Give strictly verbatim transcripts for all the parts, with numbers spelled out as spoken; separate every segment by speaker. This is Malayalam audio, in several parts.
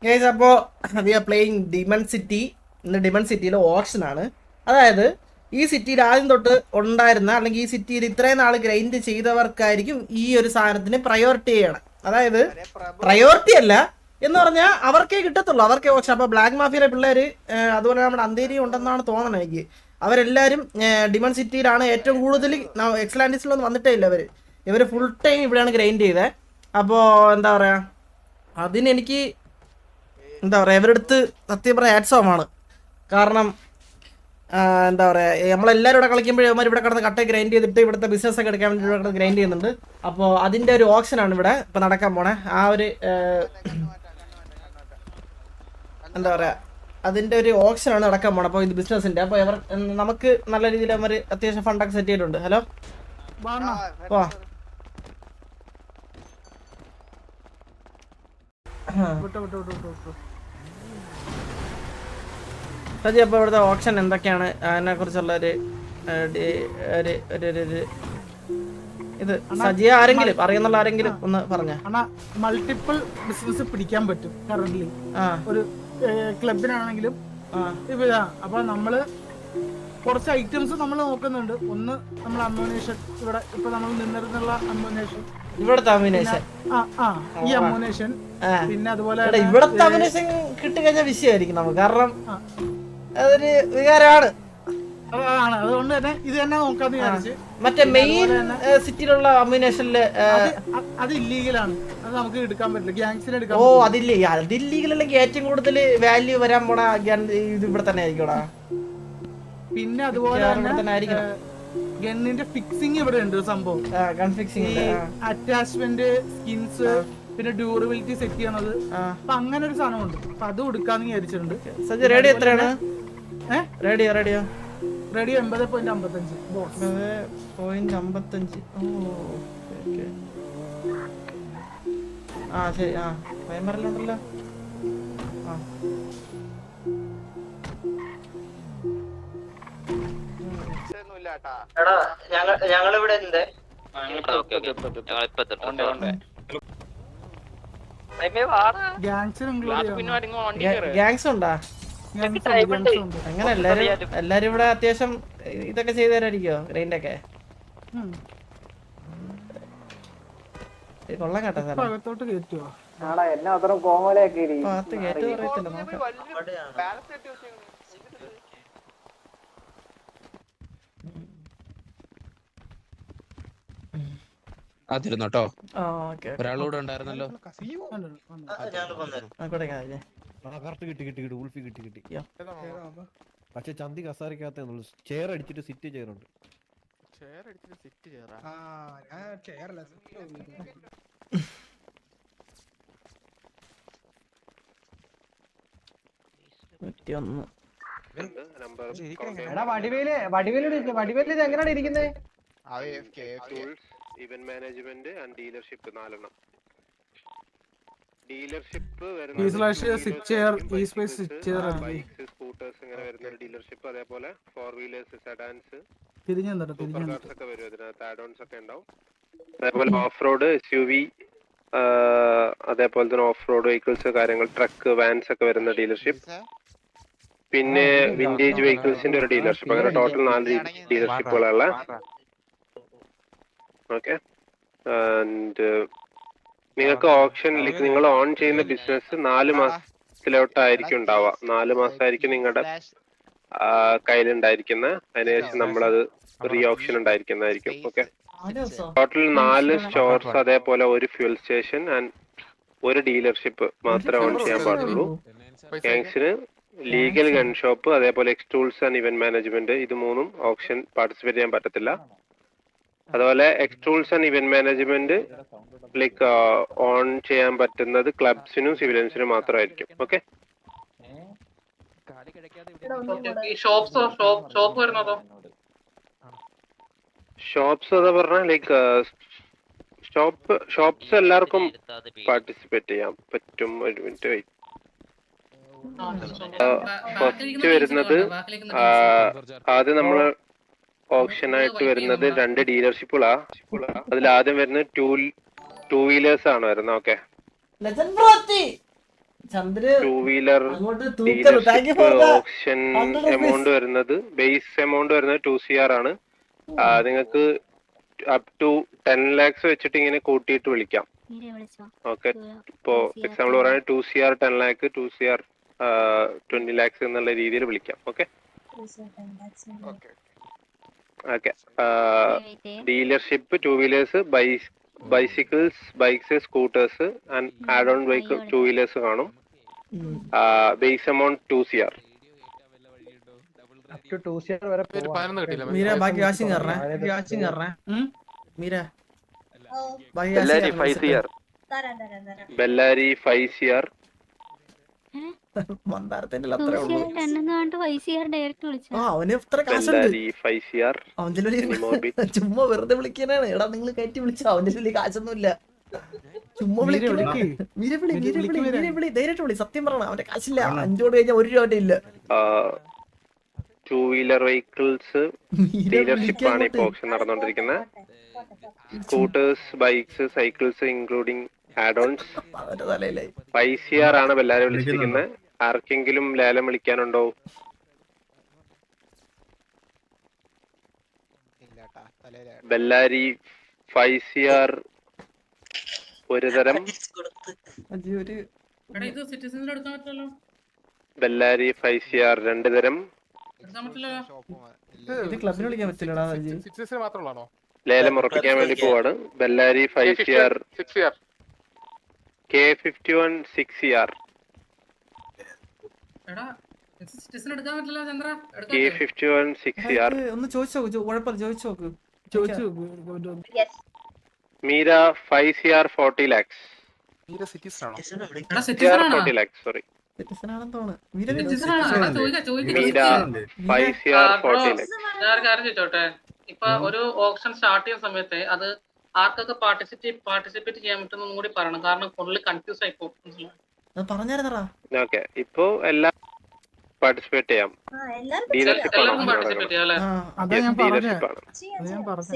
Speaker 1: ഗൈസ് അപ്പോൾ we are playing demon city. ഇന്ന് ഡിമൺ സിറ്റിയിലെ ഓപ്ഷൻ ആണ്. അതായത് ഈ സിറ്റിയിൽ ആദ്യം തൊട്ട് ഉണ്ടായിരുന്ന അല്ലെങ്കിൽ ഈ സിറ്റിയിൽ ഇത്രയും നാൾ ഗ്രൈൻഡ് ചെയ്തവർക്കായിരിക്കും ഈ ഒരു സാധനത്തിന് പ്രയോറിറ്റി ചെയ്യണം. അതായത് പ്രയോറിറ്റി അല്ല എന്ന് പറഞ്ഞാൽ അവർക്കേ കിട്ടത്തുള്ളൂ, അവർക്കേ ഓപ്ഷൻ. അപ്പോൾ ബ്ലാക്ക് മാഫിയയിലെ പിള്ളേർ, അതുപോലെ നമ്മുടെ അന്തേരി ഉണ്ടെന്നാണ് തോന്നണം എനിക്ക്, അവരെല്ലാവരും ഡിമൺ സിറ്റിയിലാണ് ഏറ്റവും കൂടുതൽ. എക്സലാൻഡിസിലൊന്നും വന്നിട്ടേ ഇല്ല അവർ. ഇവർ ഫുൾ ടൈം ഇവിടെയാണ് ഗ്രൈൻഡ് ചെയ്തത്. അപ്പോൾ എന്താ പറയുക, അതിനെനിക്ക് എന്താ പറയുക, ഇവരുടെ അടുത്ത് സത്യം പറയാം ഹാറ്റ്സോമാണ്. കാരണം എന്താ പറയുക, നമ്മളെല്ലാവരും ഇവിടെ കളിക്കുമ്പോഴേ അവന്മാർ ഇവിടെ കിടന്ന് കട്ട ഗ്രൈൻഡ് ചെയ്തിട്ട് ഇവിടുത്തെ ബിസിനസ് ഒക്കെ എടുക്കാൻ വേണ്ടി ഇവിടെ കിടന്ന് ഗ്രൈൻഡ് ചെയ്യുന്നുണ്ട്. അപ്പോൾ അതിൻ്റെ ഒരു ഓപ്ഷനാണ് ഇവിടെ ഇപ്പം നടക്കാൻ പോണേ. ആ ഒരു എന്താ പറയുക, അതിൻ്റെ ഒരു ഓപ്ഷനാണ് നടക്കാൻ പോണത്. അപ്പോൾ ഇത് ബിസിനസ്സിൻ്റെ. അപ്പോൾ ഇവർ നമുക്ക് നല്ല രീതിയിൽ അവർ അത്യാവശ്യം ഫണ്ടൊക്കെ സെറ്റ് ചെയ്തിട്ടുണ്ട്. ഹലോ വാ സജി, അപ്പോൾ ഇവിടുത്തെ ഓപ്ഷൻ എന്തൊക്കെയാണ്, അതിനെ കുറിച്ചുള്ള ഒരു ഇത് സജി ആരെങ്കിലും അറിയുന്നുള്ള ആരെങ്കിലും ഒന്ന് പറഞ്ഞ.
Speaker 2: മൾട്ടിപ്പിൾ ബിസിനസ് പിടിക്കാൻ പറ്റും കറന്റ്ലി ഒരു ക്ലബിനാണെങ്കിലും. അപ്പൊ നമ്മള് കുറച്ച് ഐറ്റംസ് നമ്മൾ നോക്കുന്നുണ്ട്. ഒന്ന് നമ്മൾ അമ്മോനേഷൻ, ഇവിടെ ഇപ്പൊ നമ്മൾ നിന്നിരുന്നുള്ള അമ്മോനേഷൻ,
Speaker 1: ഇവിടുത്തെ അമ്മുനേഷൻ,
Speaker 2: ഈ അമ്മോനേഷൻ, പിന്നെ അതുപോലെ
Speaker 1: ഇവിടത്തെ അമ്മുനേഷൻ കിട്ടിക്കഴിഞ്ഞാൽ വിഷയമായിരിക്കും നമുക്ക്. കാരണം അതൊരു വികാരമാണ്.
Speaker 2: അതുകൊണ്ട് തന്നെ ഇത് തന്നെ നോക്കാന്ന് വിചാരിച്ച്.
Speaker 1: മറ്റേ മെയിൻ സിറ്റിയിലുള്ള അമ്മുനേഷനില്
Speaker 2: അത് ഇല്ലീഗലാണ്, അത് നമുക്ക് എടുക്കാൻ പറ്റില്ല. ഗ്യാങ്സിന് എടുക്കാൻ.
Speaker 1: ഓ അതില്ലേ, അത് ഇല്ലീഗൽ അല്ലെങ്കിൽ ഏറ്റവും കൂടുതൽ വാല്യൂ വരാൻ പോണ ഇത് ഇവിടെ തന്നെ ആയിരിക്കോടാ.
Speaker 2: പിന്നെ അതുപോലെ ഗണ്ണിന്റെ ഫിക്സിങ് ഇവിടെ ഉണ്ട് സംഭവം. അറ്റാച്ച്മെന്റ്, സ്കിൻസ്, പിന്നെ ഡ്യൂറബിലിറ്റി സെറ്റ് ചെയ്യണത്. അപ്പൊ അങ്ങനെ ഒരു സാധനം ഉണ്ട്. അപ്പൊ അത് കൊടുക്കാന്ന് വിചാരിച്ചിട്ടുണ്ട്.
Speaker 1: റേഡിയോ എത്രയാണ്? റേഡിയോ റേഡിയോ
Speaker 2: റേഡിയോ എൺപത് പോയിന്റ് അമ്പത്തഞ്ച്
Speaker 1: പോയിന്റ് അമ്പത്തഞ്ച് ആ ശരി. ആ വൈമറിലുണ്ടല്ലോ. ആ ഞങ്ങളിവിടെ ഉണ്ട്. ഗ്യാങ്സ് ഉണ്ടാ? അങ്ങനെ എല്ലാരും എല്ലാരും ഇവിടെ അത്യാവശ്യം ഇതൊക്കെ ചെയ്തു തരായിരിക്കോ, ഗ്രൈൻഡൊക്കെ? കൊള്ളാം കേട്ടോ സാർ.
Speaker 2: അകത്തോട്ട് കയറ്റുവോ?
Speaker 1: ഭാഗത്ത് കയറ്റു പറയത്തില്ല, നോക്കാം.
Speaker 3: അതിരുന്നോട്ടോ, ഒരാളൂടെ ഉണ്ടായിരുന്നല്ലോ.
Speaker 4: പക്ഷെ ചന്തി കസാരിക്കകത്തേ ചെയർ അടിച്ചിട്ട് സിറ്റ് ചെയറുണ്ട്.
Speaker 1: വടിവേല് വടിവേല് വടിവേല് എങ്ങനെയാണ് ഇരിക്കുന്നത്?
Speaker 5: ഇവന്റ് മാനേജ്മെന്റ് ആൻഡ് ഡീലർഷിപ്പ് നാലെണ്ണം. ഡീലർഷിപ്പ് സ്കൂട്ടേഴ്സ് ഇങ്ങനെ വരുന്ന ഡീലർഷിപ്പ്, അതേപോലെ four wheelers, sedans, super cars ഒക്കെ വരും. അതിനകത്ത് ആഡ് ഓൺസ് ഒക്കെ ഉണ്ടാവും. അതേപോലെ off road, S U V, അതേപോലെ തന്നെ ഓഫ് റോഡ് വെഹിക്കിൾസ്, കാര്യങ്ങൾ, ട്രക്ക്, വാൻസ് ഒക്കെ വരുന്ന ഡീലർഷിപ്പ്. പിന്നെ വിന്റേജ് വെഹിക്കിൾസിന്റെ ഒരു ഡീലർഷിപ്പ്. അങ്ങനെ ടോട്ടൽ നാല് ഡീലർഷിപ്പുകളുള്ള. ഓക്കെ. ആൻഡ് നിങ്ങൾക്ക് ഓപ്ഷനിലേക്ക് നിങ്ങൾ ഓൺ ചെയ്യുന്ന ബിസിനസ് നാല് മാസത്തിലോട്ടായിരിക്കും ഉണ്ടാവുക. നാല് മാസമായിരിക്കും നിങ്ങളുടെ കയ്യിലുണ്ടായിരിക്കുന്നത്. അതിനുശേഷം നമ്മളത് റീ ഓപ്ഷൻ ഉണ്ടായിരിക്കുന്നതായിരിക്കും. ഓക്കെ. ടോട്ടൽ നാല് സ്റ്റോർസ്, അതേപോലെ ഒരു ഫ്യൂൽ സ്റ്റേഷൻ ആൻഡ് ഒരു ഡീലർഷിപ്പ് മാത്രമേ ഓൺ ചെയ്യാൻ പാടുള്ളൂ. ഗാങ്സിന് ലീഗൽ ഗൺ ഷോപ്പ്, അതേപോലെ എക്സ്റ്റൂൾസ് ആൻഡ് ഇവന്റ് മാനേജ്മെന്റ്, ഇത് മൂന്നും ഓപ്ഷൻ പാർട്ടിസിപ്പേറ്റ് ചെയ്യാൻ പറ്റത്തില്ല. അതുപോലെ എക്സ്ട്രൂൾസ് and event management like own ചെയ്യാൻ പറ്റുന്നത് ക്ലബ്സിനും സിവിലിയൻസിനും മാത്രമായിരിക്കും. ഓക്കെ. ഷോപ്സ് അതാ പറഞ്ഞ ലൈക്ക് ഷോപ്പ് ഷോപ്സ് എല്ലാവർക്കും പാർട്ടിസിപ്പേറ്റ് ചെയ്യാൻ പറ്റും. ഒരു മിനിറ്റ് വെയിറ്റ്. ഫസ്റ്റ് വരുന്നത് ആദ്യം നമ്മള് ഓപ്ഷൻ ആയിട്ട് വരുന്നത് രണ്ട് ഡീലർഷിപ്പുകളാ. അതിൽ ആദ്യം വരുന്നത് ടൂ ടൂ വീലേഴ്സ് ആണ് വരുന്നത്. ഓക്കെ.
Speaker 1: ചന്ദ്ര്
Speaker 5: ടൂ വീലർ
Speaker 1: അങ്ങോട്ട് തൂക്കരുത്. Thank you for the
Speaker 5: option
Speaker 1: hundred
Speaker 5: amount
Speaker 1: rupees.
Speaker 5: വരുന്നത് ബേസ് എമൗണ്ട് വരുന്നത് ടു സി ആർ ആണ്. നിങ്ങൾക്ക് അപ് ടു ടെൻ ലാക്സ് വെച്ചിട്ട് ഇങ്ങനെ കൂട്ടിയിട്ട് വിളിക്കാം. ഓക്കെ, ഇപ്പോ എക്സാമ്പിൾ പറയുന്നത് two C R ten lakh, two C R twenty lakhs എന്നുള്ള രീതിയിൽ വിളിക്കാം. Okay okay. Dealership two wheelers, bikes bicycles, bikes, scooters and add on vehicle two wheelers കാണും. Base amount two C R.
Speaker 1: Meera ബാക്കി വാഷിംഗ് കറേ വാഷിംഗ് കറേ മീര ബാക്കി
Speaker 5: Bellary five C R. Bellary five C R.
Speaker 1: മന്ദാരത്തിന്റെ അത്രേ ഉള്ളൂ. ആ അവന് ഇത്ര കാശുണ്ട്.
Speaker 5: Bellary five C R.
Speaker 1: അവന്റെ ചുമ്മാ വെറുതെ വിളിക്കാനാണ്. എടാ നിങ്ങൾ കയറ്റി വിളിച്ചോ, അവന്റെ വലിയ കാശൊന്നും ഇല്ല. ചുമ്മാ വിളിക്കും. മീര വിളി മീര വിളി മീര വിളി ധൈര്യമായിട്ട് വിളി. സത്യം പറയണം, അവന്റെ കാശില്ല. അഞ്ചോട് കഴിഞ്ഞാൽ ഒരു രൂപ ഇല്ല.
Speaker 5: ടൂ വീലർ വെഹിക്കിൾസ് ഡീലർഷിപ്പ് ആണ് ഇപ്പൊ ഓപ്ഷൻ നടന്നുകൊണ്ടിരിക്കുന്നത്. Scooters, bikes, cycles including add ons. Five C R ആണ് ബെല്ലാരി വിളിച്ചിരിക്കുന്നത്. ആർക്കെങ്കിലും ലേലം വിളിക്കാനുണ്ടോ? ബെല്ലാരി ഫൈവ് സി ആർ ഒരു തരം. ബെല്ലാരി ഫൈവ് സി ആർ രണ്ട് തരം.
Speaker 1: ക്ലബിന് വിളിക്കാൻ പറ്റില്ലടാ.
Speaker 5: ലേലം ഉറപ്പിക്കാൻ വേണ്ടി പോവാണ്. Bellary five C R, K fifty one six C R, K fifty one six C R.
Speaker 1: ഒന്ന് ചോദിച്ചു നോക്ക്, കുഴപ്പമില്ല ചോദിച്ചു നോക്ക്.
Speaker 2: ചോദിച്ചു
Speaker 5: Meera five C R forty lakhs. Forty lakhs sorry.
Speaker 1: Citizen ആണെന്ന് തോന്നുന്നു. Meera
Speaker 5: Meera five C R forty lakhs.
Speaker 6: ഇപ്പൊ ഒരു ഓപ്ഷൻ സ്റ്റാർട്ട് ചെയ്യുന്ന സമയത്ത് അത് ആർക്കൊക്കെ പാർട്ടിസിപ്പേറ്റ് പാർട്ടിസിപ്പേറ്റ് ചെയ്യാൻ പറ്റും കൂടി പറയണം. കാരണം ഫുള്ള് കൺഫ്യൂസ് ആയി പോകും.
Speaker 1: പറഞ്ഞായിരുന്നടാ.
Speaker 5: ഓക്കെ, ഇപ്പൊ എല്ലാം പാർട്ടിസിപ്പേറ്റ് ചെയ്യാം. ഡീലർഷിപ്പ് ആണ്.
Speaker 6: പാർട്ടിസിപ്പേറ്റ് ചെയ്യാം അല്ലെ?
Speaker 2: അതാ ഞാൻ പറഞ്ഞത്.
Speaker 5: ഡീലർഷിപ്പ് ആണ്.
Speaker 2: ഞാൻ പറഞ്ഞത്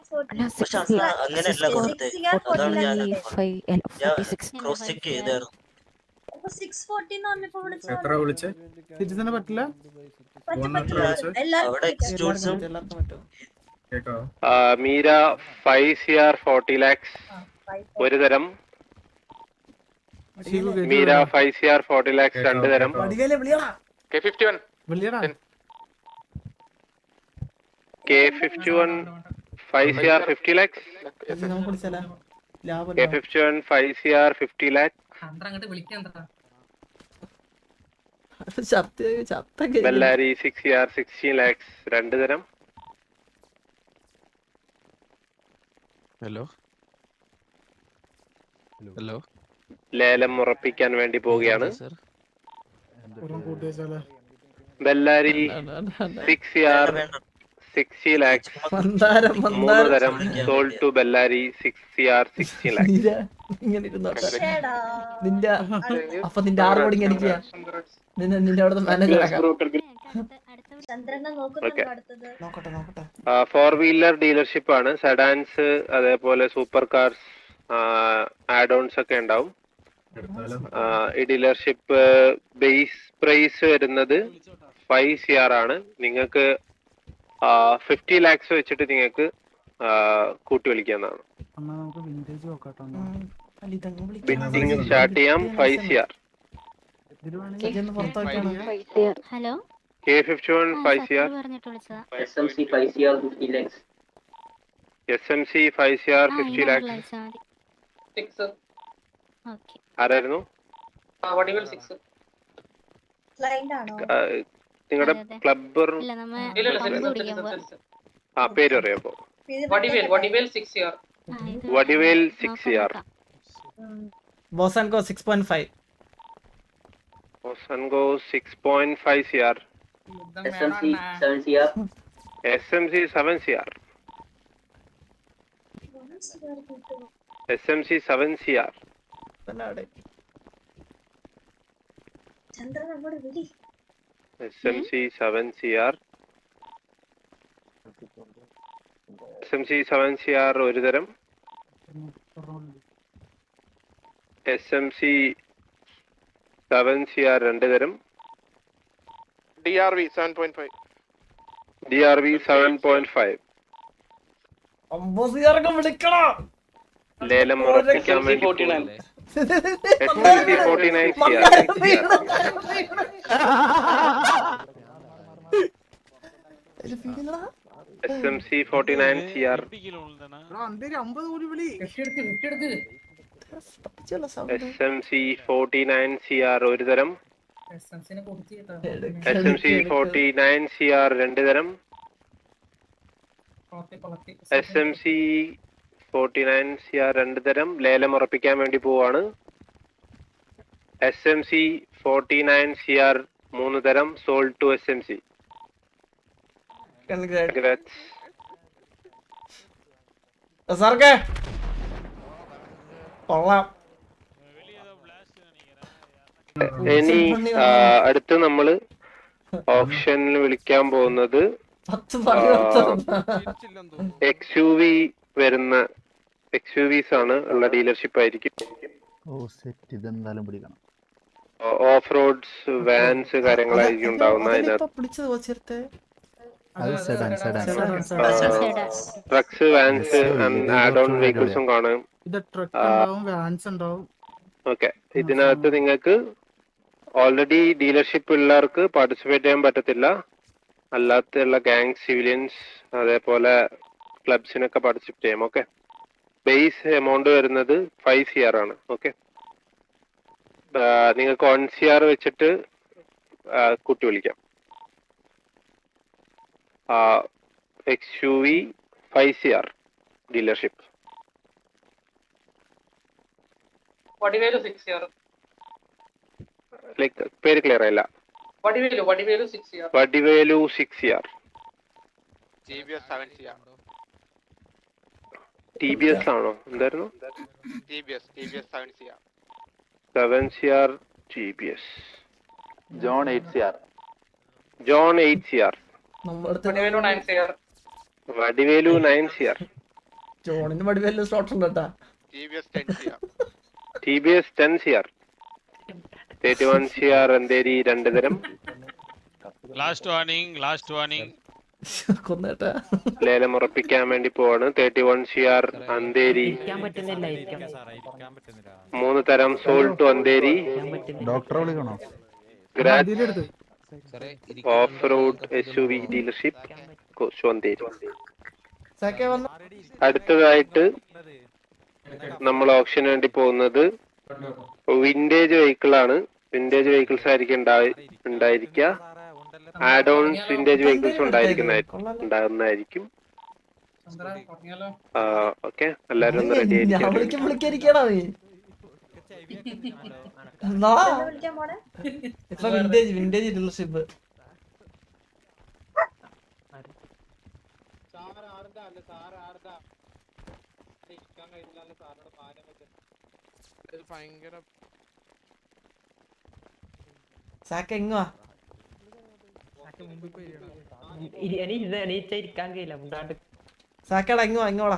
Speaker 2: സിറ്റിസനെ പറ്റില്ല.
Speaker 5: Meera five C R forty lakhs ഒരു തരം. Meera five C R forty lakhs രണ്ട് തരം. K fifty one K fifty one five C R fifty lakhs. K fifty one five C R fifty lakhs. Bellary six C R sixteen lakhs രണ്ട് തരം.
Speaker 3: ഹലോ ഹലോ
Speaker 5: ലേലം ഉറപ്പിക്കാൻ വേണ്ടി പോവുകയാണ്.
Speaker 3: Sir
Speaker 5: Bellary six C R sixty lakhs മൂന്ന് തരം. Sold to Bellary six C R sixty lakhs.
Speaker 1: നിന്റെ അപ്പൊ നിന്റെ ആറ് കോടി എനിക്ക് നിന്നെ നിന്റെ അവിടുത്തെ മാനേജർ ആക്കാം. നോക്കട്ടെ നോക്കട്ടെ.
Speaker 5: ഫോർ വീലർ ഡീലർഷിപ്പ് ആണ്. സെഡാൻസ് അതേപോലെ സൂപ്പർ കാർസ് ആഡ് ഓൺസ് ഒക്കെ ഉണ്ടാവും. ഈ ഡീലർഷിപ്പ് ബേസ് പ്രൈസ് വരുന്നത് ഫൈവ് സി ആർ ആണ്. നിങ്ങൾക്ക് ഫിഫ്റ്റി ലാക്സ് വെച്ചിട്ട് നിങ്ങൾക്ക് കൂട്ടി വിളിക്കാവുന്നതാണ്. ബിഡിങ് സ്റ്റാർട്ട് ചെയ്യാം. Five C R.
Speaker 7: Hello
Speaker 5: K fifty one five C R. S M C five C R fifty lakhs. ആരായിരുന്നു? നിങ്ങളുടെ ക്ലബ് ആ പേര് അറിയാമോ? Vadivel six C R.
Speaker 1: ബോസൻകോ സിക്സ് പോയിന്റ് ഫൈവ്.
Speaker 5: ബോസൻകോ six point five C R. S M C seven C R. S M C seven C R. S M C seven C R. S M C seven C R ഒരു തരം. S M C seven C R രണ്ട് തരം.
Speaker 7: D R V seven point five.
Speaker 5: D R V seven point five.
Speaker 1: അമ്പതിയാറൊക്കെ വിളിക്കണം.
Speaker 5: ലേലം ഉറപ്പിക്കാൻ വേണ്ടി
Speaker 6: forty nine
Speaker 5: forty nine C R. S M C forty nine C R.
Speaker 2: Andheri അമ്പത് കോടി വിളി.
Speaker 5: S M C forty nine C R ഒരു തരം. S M C forty nine C R രണ്ട് തരം. S M C forty nine C R രണ്ട് തരം ലേലം ഉറപ്പിക്കാൻ വേണ്ടി പോവാണ്. S M C forty nine C R മൂന്ന് തരം sold to S M C.
Speaker 1: സാർക്ക് കൊള്ളാം.
Speaker 5: ഇനി അടുത്ത് നമ്മള് ഓപ്ഷനിൽ വിളിക്കാൻ പോകുന്നത് എക്സ് യു വി വരുന്ന എക്സ് യു വിസ് ആണ് ഉള്ള ഡീലർഷിപ്പ് ആയിരിക്കും. ഓഫ് റോഡ്സ് വാൻസ് കാര്യങ്ങളായിരിക്കും ഉണ്ടാവുന്ന അതിനകത്ത്. ട്രക്സ് വാൻസ് ആഡ് ഓൺ വെഹിക്കിൾസും കാണും. ഓക്കെ, ഇതിനകത്ത് നിങ്ങൾക്ക് ഓൾറെഡി ഡീലർഷിപ്പ് ഉള്ളവർക്ക് പാർട്ടിസിപ്പേറ്റ് ചെയ്യാൻ പറ്റത്തില്ല. അല്ലാത്തുള്ള ഗാങ് സിവിലിയൻസ് അതേപോലെ ക്ലബ്സിനൊക്കെ പാർട്ടിസിപ്പേറ്റ് ചെയ്യാം. ഓക്കെ, ബേസ് എമൗണ്ട് വരുന്നത് ഫൈവ് സി ആർ ആണ്. ഓക്കെ, നിങ്ങൾക്ക് വൺ സി ആർ വെച്ചിട്ട് കൂട്ടി വിളിക്കാം. X U V five C R dealership.
Speaker 6: Vadivelu six year.
Speaker 5: Like പേര് ക്ലിയർ ആയില്ല.
Speaker 6: Vadivelu Vadivelu six year.
Speaker 5: Vadivelu six year.
Speaker 7: G B S seven C R.
Speaker 5: T B S ആണോ? എന്തായിരുന്നു?
Speaker 7: T B S T B S seven C R.
Speaker 5: Seven C R T B S.
Speaker 8: John eight C R.
Speaker 5: John eight C R.
Speaker 6: Vadivelu nine C R.
Speaker 5: Vadivelu nine C R.
Speaker 1: ജോണിന് വടിവേലു സ്ലോട്ട് ഉണ്ട് കേട്ടാ.
Speaker 7: T B S ten C R.
Speaker 5: T B S ten C R. Thirty one C R Andheri രണ്ട് തരം.
Speaker 3: ലാസ്റ്റ് വാർണിംഗ് ലാസ്റ്റ് വാർണിംഗ്
Speaker 1: കൊന്നേട്ടാ.
Speaker 5: ലേലം ഉറപ്പിക്കാൻ വേണ്ടി പോവാണ്. Thirty one C R Andheri മൂന്ന് തരം സോൾഡ് ടു അന്തേരി.
Speaker 8: ഡോക്ടറെ വിളിക്കണോ?
Speaker 5: Off road S U V dealership Andheri. അടുത്തതായിട്ട് നമ്മൾ ഓപ്ഷന് വേണ്ടി പോകുന്നത് വിന്റേജ് വെഹിക്കിൾ ആണ്. വിന്റേജ് വെഹിക്കിൾസ് ആയിരിക്കും ഉണ്ടായിരിക്കുക. ആഡ് ഓൺസ് വിന്റേജ് വെഹിക്കിൾസ് ഉണ്ടായിരിക്കുന്നതായിരിക്കും ഉണ്ടാകുന്നതായിരിക്കും. ഓക്കെ, എല്ലാരും ഒന്ന് റെഡി ആയിരിക്കും.
Speaker 1: Vintage vintage dealership. സാക്ക എങ്ങുവാ? സാക്കടാ എങ്ങുവാ? എങ്ങോടാ?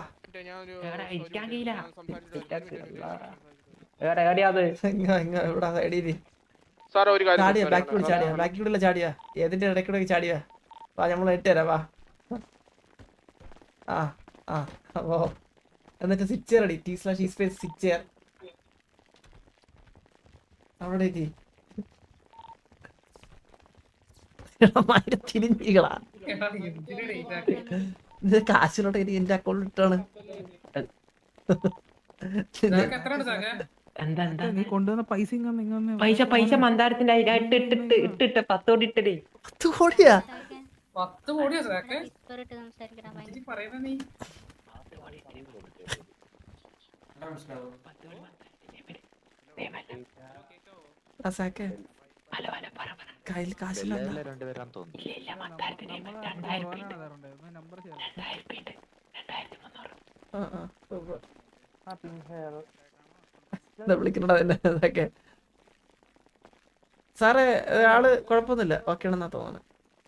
Speaker 1: ചാടിയാ ബ്ലാക്ക് കൂടി ചാടിയാ ബ്ലാക്ക് കൂടിയുള്ള ചാടിയാ ഏതിന്റെ ഇടയ്ക്കൂടെ ചാടിയാ? വാ, നമ്മൾ ഇട്ടുതരാ. വാ. ആ ആ ഓ എന്നിട്ട് സിക്സ് ചെയർ അടി. T slash E space six chair അവിടെ തിരിഞ്ഞികളാ. ഇത് കാശിലോട്ട് എനിക്ക് എന്റെ അക്കൗണ്ടിൽ ഇട്ടാണ്.
Speaker 2: കൊണ്ടുവന്ന പൈസ
Speaker 9: പൈസ പൈസ മന്ദാരത്തിന്റെ ഇട്ടിട്ട് ഇട്ടിട്ട് പത്തോടി ഇട്ടേ.
Speaker 1: പത്ത് കോടിയാ?
Speaker 6: പത്ത് കോടിയാ സാക്കെ?
Speaker 1: കയ്യിൽ കാശില്ല. വിളിക്കണ ഇതൊക്കെ. സാറേ ആള് കുഴപ്പമൊന്നുമില്ല, ഓക്കെ ആണെന്നാ തോന്നുന്നത്.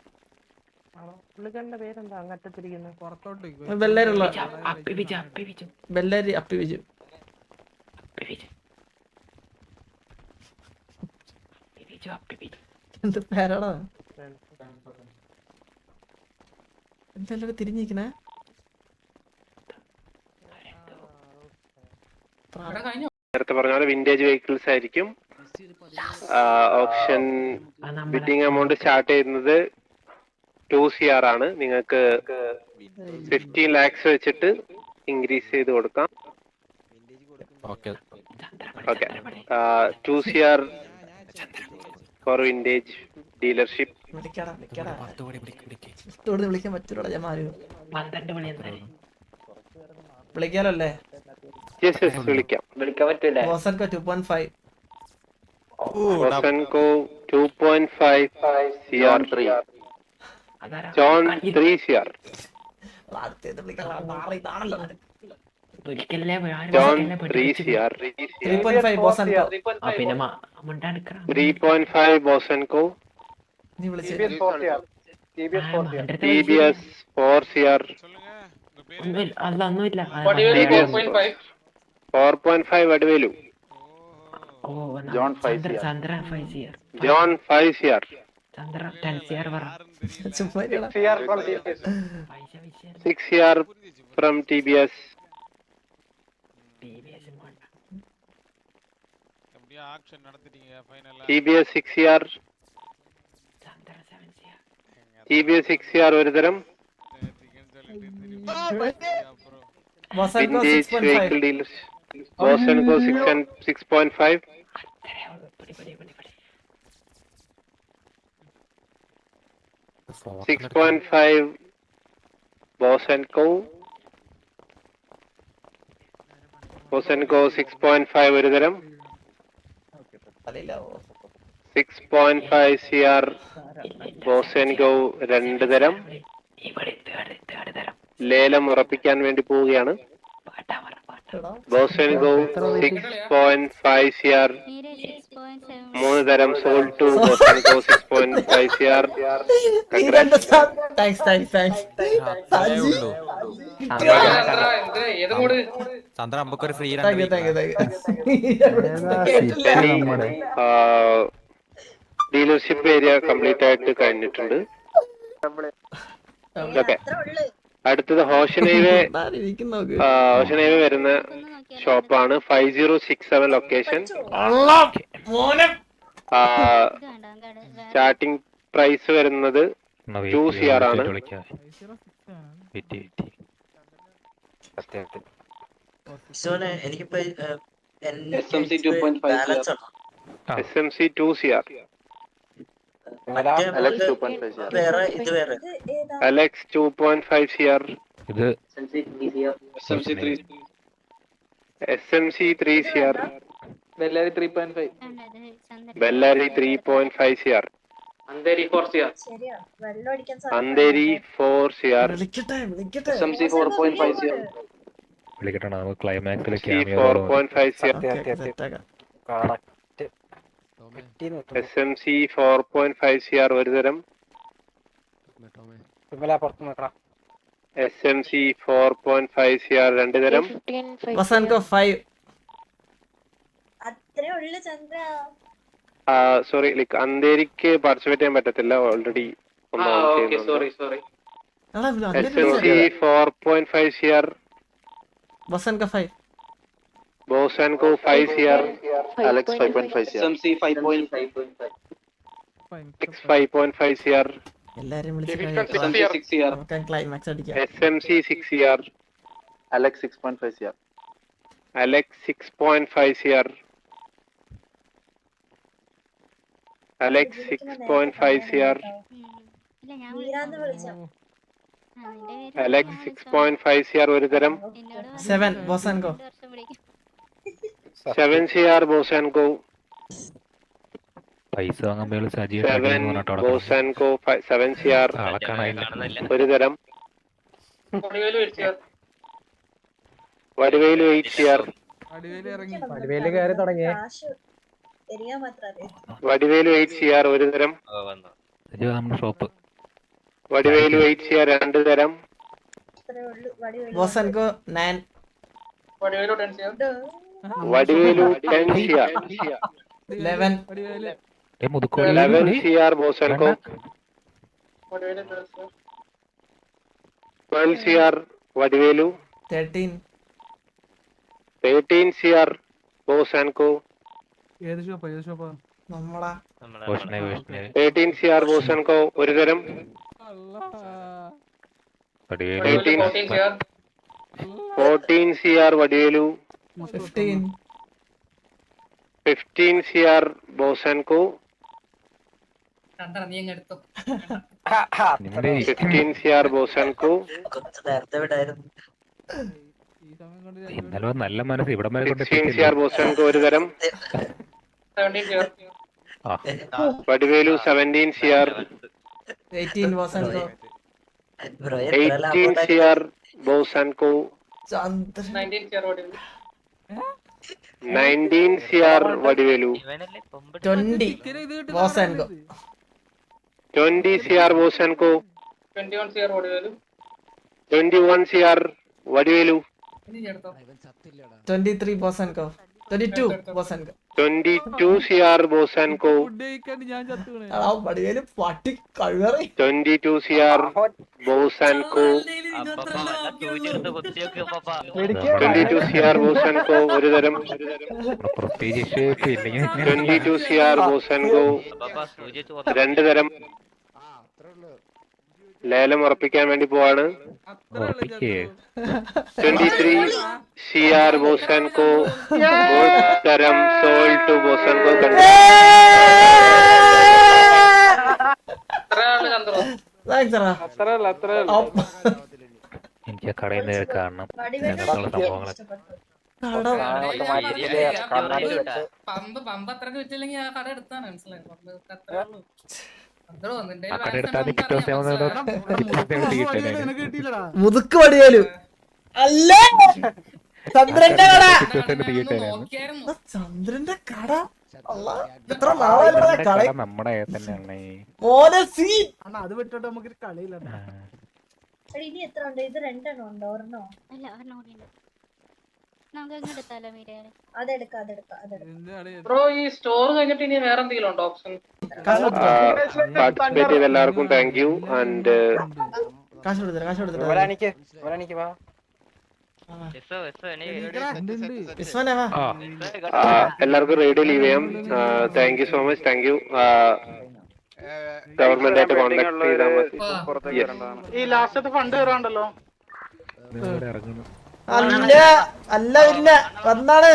Speaker 1: ബെല്ലേരുള്ള ബെല്ലേരി അപ്പി വിജു. എന്ത് പേരാടാ എന്തെല്ലാം തിരിഞ്ഞിരിക്കണേ
Speaker 5: നേരത്തെ പറഞ്ഞ പോലെ വിന്റേജ് വെഹിക്കിൾസ് ആയിരിക്കും. ഓപ്ഷൻ ബിഡിങ് എമൗണ്ട് സ്റ്റാർട്ട് ചെയ്യുന്നത് ടു സി ആർ ആണ്. നിങ്ങൾക്ക് ഫിഫ്റ്റീൻ ലാക്സ് വെച്ചിട്ട് ഇൻക്രീസ് ചെയ്ത് കൊടുക്കാം. Okay two C R for vintage dealership.
Speaker 1: വിളിക്കാൻ പറ്റൂടാ ഞാൻ മാറി വിളിക്കാലോ അല്ലേ?
Speaker 5: വിളിക്കാം.
Speaker 1: ബോസൻകോ ടു പോയിന്റ് ഫൈവ്
Speaker 5: ബോസൻകോ two point five C R three John three C R John three C R
Speaker 1: three point five ബോസൻകോ
Speaker 5: ത്രീ പോയിന്റ് ഫൈവ് ബോസൻകോ
Speaker 1: നീ വിളിച്ചേ
Speaker 5: T B S four C R four point five Vadivelu
Speaker 8: John five C R
Speaker 5: John five C R six C R from T B S T B S six C R T B S six C R ഒരു തരം വിന്റേജ് വെഹിക്കിൾ ഡീലർ ബോസൻകോ six point five six point five ബോസൻകോ ബോസൻകോ സിക്സ് പോയിന്റ് ഫൈവ് ഒരു തരം six point five C R ബോസൻകോ രണ്ട് തരം. ലേലം ഉറപ്പിക്കാൻ വേണ്ടി പോവുകയാണ്. ബോസൻകോ six point five C R മൂന്ന് തരം സോൾഡ് ടു ബോസൻകോ six point five C R.
Speaker 1: Thanks thanks thanks
Speaker 5: dealership area complete ആയിട്ട് കഴിഞ്ഞിട്ടുണ്ട്. ഓക്കെ അടുത്തത് ഹോഷൻ ഹൈവേ ഹോഷൻ ഹൈവേ വരുന്ന ഷോപ്പാണ് five zero six seven location. Starting price വരുന്നത് ടു സി ആർ ആണ്. S M C two C R
Speaker 8: Alex two point five C R
Speaker 5: Alex two point five C R S M C three C R
Speaker 7: Bellary three point five
Speaker 5: Bellary three point five C R
Speaker 6: Andheri four C R
Speaker 5: Andheri four C R
Speaker 1: വിളിക്കട്ടെ വിളിക്കട്ടെ
Speaker 7: S M C four point five C R
Speaker 5: four point five C R S M C four point five C R ഒരു തരം S M C four point five C R രണ്ട് തരം
Speaker 1: ബോസൻകോ ഫൈവ്
Speaker 5: സോറി ലൈക്ക് അന്തേരിക്ക് പാർട്ടിസിപ്പേറ്റ് ചെയ്യാൻ പറ്റത്തില്ല already S M C four point five C R
Speaker 1: ബോസൻകോ ഫൈവ്
Speaker 5: ബോസൻകോ five C R
Speaker 8: Alex five point five C R
Speaker 5: six five point five C R
Speaker 1: എല്ലാരും ക്ലൈമാക്സ് അടിക്കാം.
Speaker 5: S M C six C R
Speaker 8: Alex six point five C R
Speaker 5: Alex six point five C R Alex six point five C R Alex six point five C R ഒരു തരം
Speaker 1: സെവൻ ബോസൻകോ
Speaker 5: സെവൻ സി ആർ ബോസൻകോ
Speaker 10: പൈസ വാങ്ങുമ്പോൾ
Speaker 5: സെവൻ ബോസൻകോ സെവൻ സി ആർ ഒരു തരം Vadivelu eight C R Vadivelu eight C R ഒരു തരം
Speaker 10: നമ്മുടെ shop
Speaker 5: Vadivelu eight C R രണ്ട് തരം
Speaker 1: ബോസൻകോ nine
Speaker 5: Vadivelu ten C R
Speaker 1: eleven
Speaker 5: eleven C R Bosanko. twelve C R Vadivelu.
Speaker 1: thirteen.
Speaker 5: thirteen C R Bosanko.
Speaker 2: ഏത് ഷോപ്പാ ഏത് ഷോപ്പാ
Speaker 1: നമ്മളാ
Speaker 5: thirteen C R Bosanko ഒരു തരം.
Speaker 6: fourteen C R.
Speaker 5: fourteen C R Vadivelu.
Speaker 1: fifteen.
Speaker 5: fifteen C R Bosanko. fifteen C R Bosanko.
Speaker 10: ഇന്നലെ നല്ല മനസ്സ് ഇവിടെ വരെ കൊണ്ട്
Speaker 5: sixteen C R Bosanko ഒരു തരം.
Speaker 6: seventeen C R.
Speaker 5: Vadivelu seventeen C R.
Speaker 1: eighteen Bosanko.
Speaker 5: eighteen C R Bosanko.
Speaker 1: ചന്ദ്രൻ.
Speaker 6: nineteen C R Vadivelu.
Speaker 5: nineteen C R Vadivelu.
Speaker 1: twenty Bosanko.
Speaker 5: twenty C R Bosanko.
Speaker 6: twenty-one C R Vadivelu.
Speaker 5: twenty-one C R Vadivelu.
Speaker 1: twenty-three Bosanko. twenty-two Bosanko.
Speaker 5: twenty-two C R Bosanko.
Speaker 1: എടാ വടിവേലു പട്ടി കഴിവറി.
Speaker 5: twenty-two C R Bosanko. twenty-two C R Bosanko ഒരു തരം.
Speaker 10: പ്രത്യേകിച്ച് ഇല്ലെങ്കിൽ
Speaker 5: twenty-two C R Bosanko രണ്ട് തരം. ലേലം ഉറപ്പിക്കാൻ വേണ്ടി പോവാണ്.
Speaker 10: ഉറപ്പിക്കേ
Speaker 5: twenty-three C R Bosanko ഒരു തരം sold to Bosanko country.
Speaker 6: എത്ര ആള് കണ്ടോ?
Speaker 1: Thanks എടാ.
Speaker 7: അത്രയല്ല അത്രയല്ല
Speaker 1: അപ്പ-
Speaker 10: എനിക്ക് ആ കടയിൽ നിന്ന് കാണണം അങ്ങനെയുള്ള സംഭവങ്ങളൊക്കെ.
Speaker 6: പമ്പ് പമ്പ് അത്രക്ക് വിറ്റില്ലെങ്കിൽ ആ കട എടുത്താണ് മനസ്സിലായി.
Speaker 10: ആ കട എടുത്താൽ പിറ്റേ ദിവസം
Speaker 2: നിനക്ക് കിട്ടിയില്ലടാ
Speaker 1: മുതുക്ക് വടിവേലു അല്ല ചന്ദ്രന്റെ കട. ആ, ചന്ദ്രന്റെ കട അള്ളാ, എത്ര നാളായില്ലടാ കളി.
Speaker 10: നമ്മുടെ തന്നെയാണ്.
Speaker 1: മോനെ സീ
Speaker 2: അണ്ണാ അത് വിട്ടിട്ട് നമുക്ക് കളിയില്ല.
Speaker 11: ഇനി എത്ര ഉണ്ട്? ഇത് രണ്ടെണ്ണം ഉണ്ടോ? ഒരെണ്ണോ? അല്ല ഒരെണ്ണം കൂടി ഉണ്ട്. നമുക്ക് അങ്ങ് എടുത്താലോ മീഡിയാണ്? അതെടുക്കാം അതെടുക്കാം അതെടുക്കാം.
Speaker 6: ബ്രോ ഈ സ്റ്റോർ കഴിഞ്ഞിട്ട് ഇനി വേറെ എന്തെങ്കിലും ഉണ്ടോ ഓപ്ഷൻ?
Speaker 5: പാർട്ടിസിപ്പേറ്റ് ചെയ്ത എല്ലാവർക്കും താങ്ക് യു. ആൻഡ്
Speaker 1: കാശ് കൊടുത്തില്ല കാശ് കൊടുത്തില്ല വിസ്വനെ വാ.
Speaker 5: എല്ലാവർക്കും റേഡിയോ ലീവ് ചെയ്യാം. Thank you so much. Thank you. Government ആയിട്ട് കോൺടാക്ട് ചെയ്താൽ മതി.
Speaker 2: ഈ ലാസ്റ്റത്തെ ഫണ്ട് കയറാണ്ടല്ലോ.
Speaker 10: ഇറങ്ങുന്നു.
Speaker 1: അല്ല അല്ല ഇല്ല വന്നാണ്.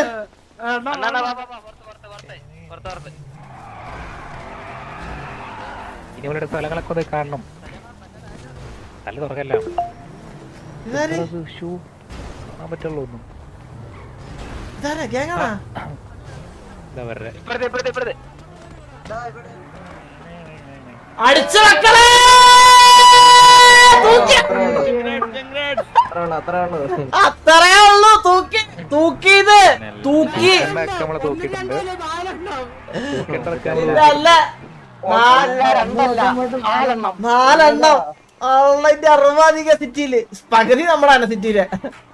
Speaker 10: ഇനി അവരുടെ സ്ഥലങ്ങളൊക്കെ ഒന്ന് കാണണം. നല്ല തുറക്കല്ല
Speaker 1: ഇതാര്
Speaker 10: ഷൂ കാണാൻ പറ്റുള്ളൂ. ഒന്നും
Speaker 1: ഇതാരാ ഗ്യാങ്ങാണാ?
Speaker 10: എന്താ വരെ
Speaker 1: അടിച്ചു മക്കളെ അത്രേ ഉള്ളൂ. തൂക്കി തൂക്കിയത് തൂക്കി
Speaker 10: നമ്മളെ തൂക്കിയിട്ടുണ്ട്.
Speaker 1: ഇല്ല അല്ല നാലെണ്ണം ഉള്ളതിന്റെ അറുപധിക സിറ്റിയില് പകുതി നമ്മളാണ് സിറ്റിയില്.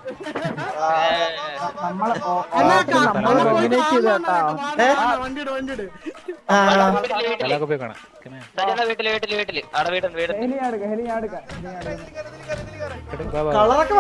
Speaker 2: വണ്ടിയുടെ വണ്ടിയുടെ
Speaker 10: സ്ഥലമൊക്കെ പോയി കാണാം.
Speaker 1: കളറൊക്കെ